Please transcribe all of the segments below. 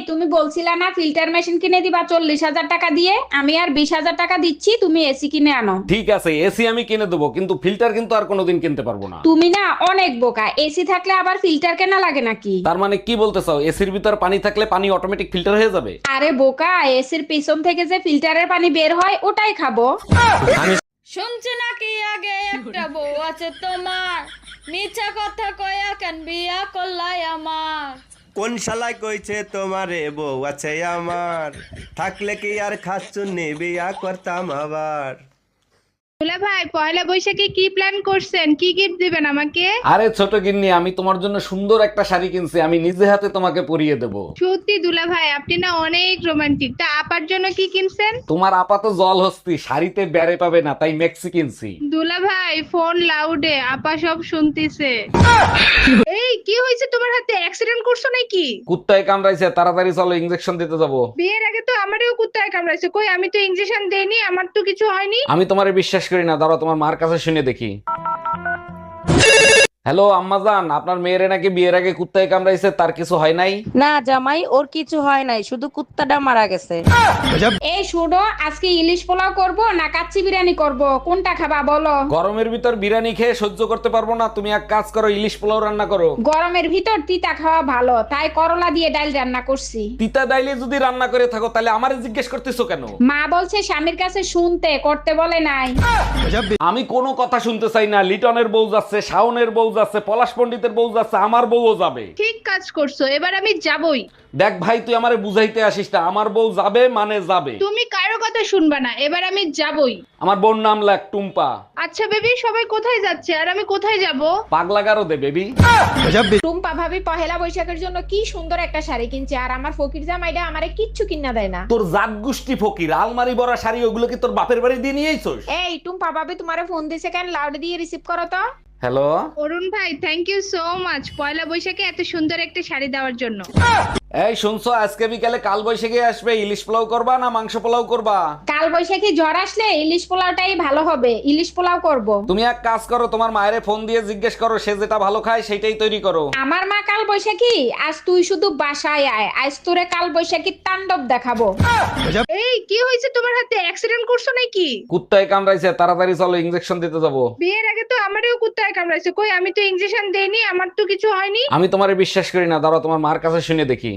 তুমি বলছিলা না ফিল্টার মেশিন কিনে দিবা 40,000 টাকা দিয়ে, আমি আর 20,000 টাকা দিচ্ছি, তুমি এসি কিনে আনো। ঠিক আছে, এসি আমি কিনে দেবো, কিন্তু ফিল্টার কিন্তু আর কোনোদিন কিনতে পারবো না। তুমি না অনেক বোকা, এসি থাকলে আবার ফিল্টার কেনা লাগে নাকি? তার মানে কি বলতে চাও, এসির ভিতর পানি থাকলে পানি অটোমেটিক ফিল্টার হয়ে যাবে? আরে বোকা, এসির পিছন থেকে যে ফিল্টারের পানি বের হয় ওটাই খাবো। শুনছি নাকি আগে একটা বউ আছে তোমার, মিছা কথা কয়া কেন বিয়া করলাই আমার। কোন শালায় কইছে তোমারে বউ আছে আমার, থাকলে কি আর খাচ্ছুন্নি বিয়া করতাম আবার। দুলা ভাই পয়লা বৈশাখে কি প্ল্যান করছেন? কি গিফট দিবেন আমাকে? আরে ছোট গিন্নি, আমি তোমার জন্য সুন্দর একটা শাড়ি কিনছি, আমি নিজে হাতে তোমাকে পরিয়ে দেবো। সত্যি দুলা ভাই আপনি না অনেক রোমান্টিক। তা আপার জন্য কি কিনছেন? তোমার আপাত জল হস্তি, শাড়িতে বেড়ে পাবে না, তাই মেক্সি কিনছি। দুলা ভাই ফোন লাউডে, আপা সব শুনতিছে। এই কি হয়েছে তোমার হাতে? অ্যাক্সিডেন্ট করছো নাকি? কুত্তায় কামড়াইছে, তাড়াতাড়ি চলো, ইনজেকশন দিতে যাবো। বিয়ের আগে তো আমারও কুত্তায় কামড়াইছে। কই আমি তো ইনজেকশন দেইনি, আমার তো কিছু হয়নি। আমি তোমারে বিশ্বাস করি না, দাঁড়াও তোমার মার কাছে শুনে দেখি। হ্যালো আম্মাজান, আপনার মেয়েরে নাকি বিয়ের আগে কুত্তায় কামড়াইছে, তার কিছু হয় নাই? না জামাই, ওর কিছু হয় নাই, শুধু কুত্তাটা মারা গেছে। এই শুনো, আজকে ইলিশ পোলাও করব না কাচ্চি বিরিয়ানি করব, কোনটা খাবা বলো? গরমের ভিতর বিরিয়ানি খেয়ে সহ্য করতে পারবো না, তুমি এক কাজ করো, ইলিশ পোলাও রান্না করো। গরমের ভিতর তিতা খাওয়া ভালো, তাই করলা দিয়ে ডাল রান্না করছি। তিতা ডাইলে যদি রান্না করে থাকো তাহলে আমারে জিজ্ঞেস করতেছো কেন? মা বলছে স্বামীর কাছে শুনতে, করতে বলে নাই। আমি কোনো কথা শুনতে চাই না। লিটনের বউ যাচ্ছে, শাওনের বউ যাচ্ছে, পলাশ পণ্ডিতের বউ যাচ্ছে, আমার বউও যাবে। ঠিক কাজ করছো, এবার আমি যাবই। দেখ ভাই, তুই আমারে বুঝাইতে আসিস না, আমার বউ যাবে মানে যাবে। তুমি কারো কথা শুনবা না, এবার আমি যাবই। আমার বোন নাম লাগ টুম্পা। আচ্ছা বেবি, সবাই কোথায় যাচ্ছে আর আমি কোথায় যাব? পাগলা গারো দে বেবি। টুম্পা ভাবি পহেলা বৈশাখের জন্য কি সুন্দর একটা শাড়ি কিনছে, আর আমার ফকির জামাইটা আমারে কিচ্ছু কিনা দেয় না। তোর জাত গোষ্ঠী ফকির, আলমারি ভরা শাড়ি ওগুলো কি তোর বাপের বাড়ি দিয়ে নিয়ে আইছস? এই টুম্পা ভাবি তোমারে ফোন দিছে কেন? লাউড দিয়ে রিসিভ করো তো। হ্যালো। অরুণ ভাই থ্যাংক ইউ সো মাচ পয়লা বৈশাখে এত সুন্দর একটা শাড়ি দেওয়ার জন্য। এই শুনছো, আজকে বিকালে কাল বৈশাখী আসবে, ইলিশ পোলাও করবা না মাংস পোলাও করবা? কাল বৈশাখী ঝড় আসলে ইলিশ পোলাওটাই ভালো হবে, ইলিশ পোলাও করব। তুমি এক কাজ করো, তোমার মায়েরে ফোন দিয়ে জিজ্ঞেস করো, সে যেটা ভালো খায় সেটাই তৈরি করো। আমার মা কাল বৈশাখী, আজ তুই শুধু বাসায় আয়, আজ তোরে কাল বৈশাখীর তাণ্ডব দেখাবো। এই কি হয়েছে তোমার হাতে? অ্যাক্সিডেন্ট করছো নাকি? কুত্তায় কামড়াইছে, তাড়াতাড়ি চলো, ইনজেকশন দিতে যাবো। বিয়ের আগে তো আমারও কুত্তায় কামড়াইছে। কই আমি তো ইনজেকশন দেইনি, আমার তো কিছু হয়নি। আমি তোমারে বিশ্বাস করি না, দাঁড়াও তোমার মার কাছে শুনে দেখি।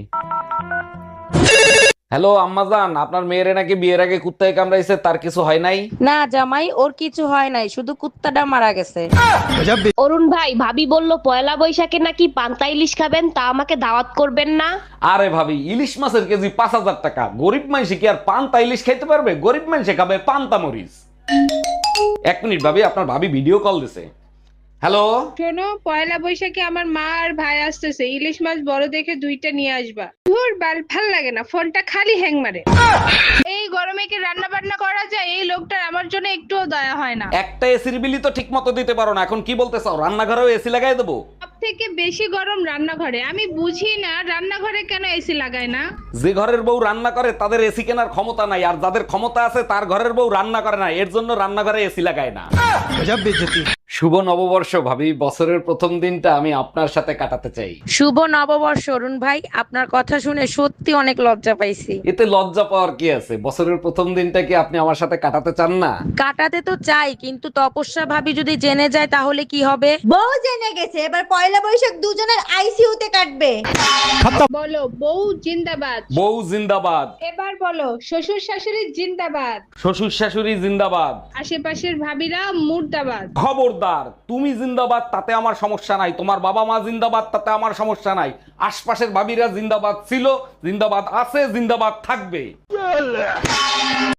হ্যালো আম্মাজান, আপনার মেয়েরে নাকি বিয়ের আগে কুত্তায় কামড়াইছে, তার কিছু হয় নাই? না জামাই, ওর কিছু হয় নাই, শুধু কুত্তাটা মারা গেছে। অরুণ ভাই, ভাবি বললো পয়লা বৈশাখে নাকি পান্তা ইলিশ খাবেন, তা আমাকে দাওয়াত করবেন না? আরে ভাবি, ইলিশ মাছের কেজি 5,000 টাকা, গরিব মানুষে কি আর পান্তা ইলিশ খাইতে পারবে? গরিব মানুষে খাবে পান্তা মরিচ। এক মিনিট ভাবি, আপনার ভাবি ভিডিও কল দিছে। হ্যালো। শোনো, পয়লা বৈশাখে আমার মা আর ভাই আসতেছে, ইলিশ মাছ বড় দেখে 2টা নিয়ে আসবা। ধুর বাল, ভাল লাগে না, ফোনটা খালি হ্যাং মারে। এই গরমে কি রান্না বান্না করা যায়? এই লোকটার আমার জন্য একটুও দয়া হয় না। একটা এসির বিলি তো ঠিক মতো দিতে পারো না, এখন কি বলতে চাও রান্নাঘরেও এসি লাগাই দেবো? সব থেকে বেশি গরম রান্নাঘরে। আমি বুঝি না রান্নাঘরে কেন এসি লাগায় না। যে ঘরের বউ রান্না করে তাদের এসি কেনার ক্ষমতা নাই, আর যাদের ক্ষমতা আছে তার ঘরের বউ রান্না করে না, এর জন্য রান্নাঘরে এসি লাগায় না। শুভ নববর্ষ ভাবি, বছরের প্রথম দিনটা আমি আপনার সাথে কাটাতে চাই। শুভ নববর্ষ অরুণ ভাই, আপনার কথা শুনে সত্যি অনেক লজ্জা পাইছি। এতে লজ্জা পাওয়ার কি আছে? বছরের প্রথম দিনটা কি আপনি আমার সাথে কাটাতে চান না? কাটাতে তো চাই, কিন্তু তপস্যা ভাবি যদি জেনে যায় তাহলে কি হবে? বউ জেনে গেছে, এবার পয়লা বৈশাখ দুজনের আইসিইউতে কাটবে। বলো বউ জিন্দাবাদ। বউ জিন্দাবাদ। এবার বলো শ্বশুর শাশুড়ি জিন্দাবাদ। শ্বশুর শাশুড়ি জিন্দাবাদ। আশেপাশের ভাবিরা মুর্দাবাদ। খবরদার, তুমি জিন্দাবাদ তাতে আমার সমস্যা নাই, তোমার বাবা মা জিন্দাবাদ তাতে আমার সমস্যা নাই, আশপাশের ভাবিরা জিন্দাবাদ ছিল, জিন্দাবাদ আছে, জিন্দাবাদ থাকবে।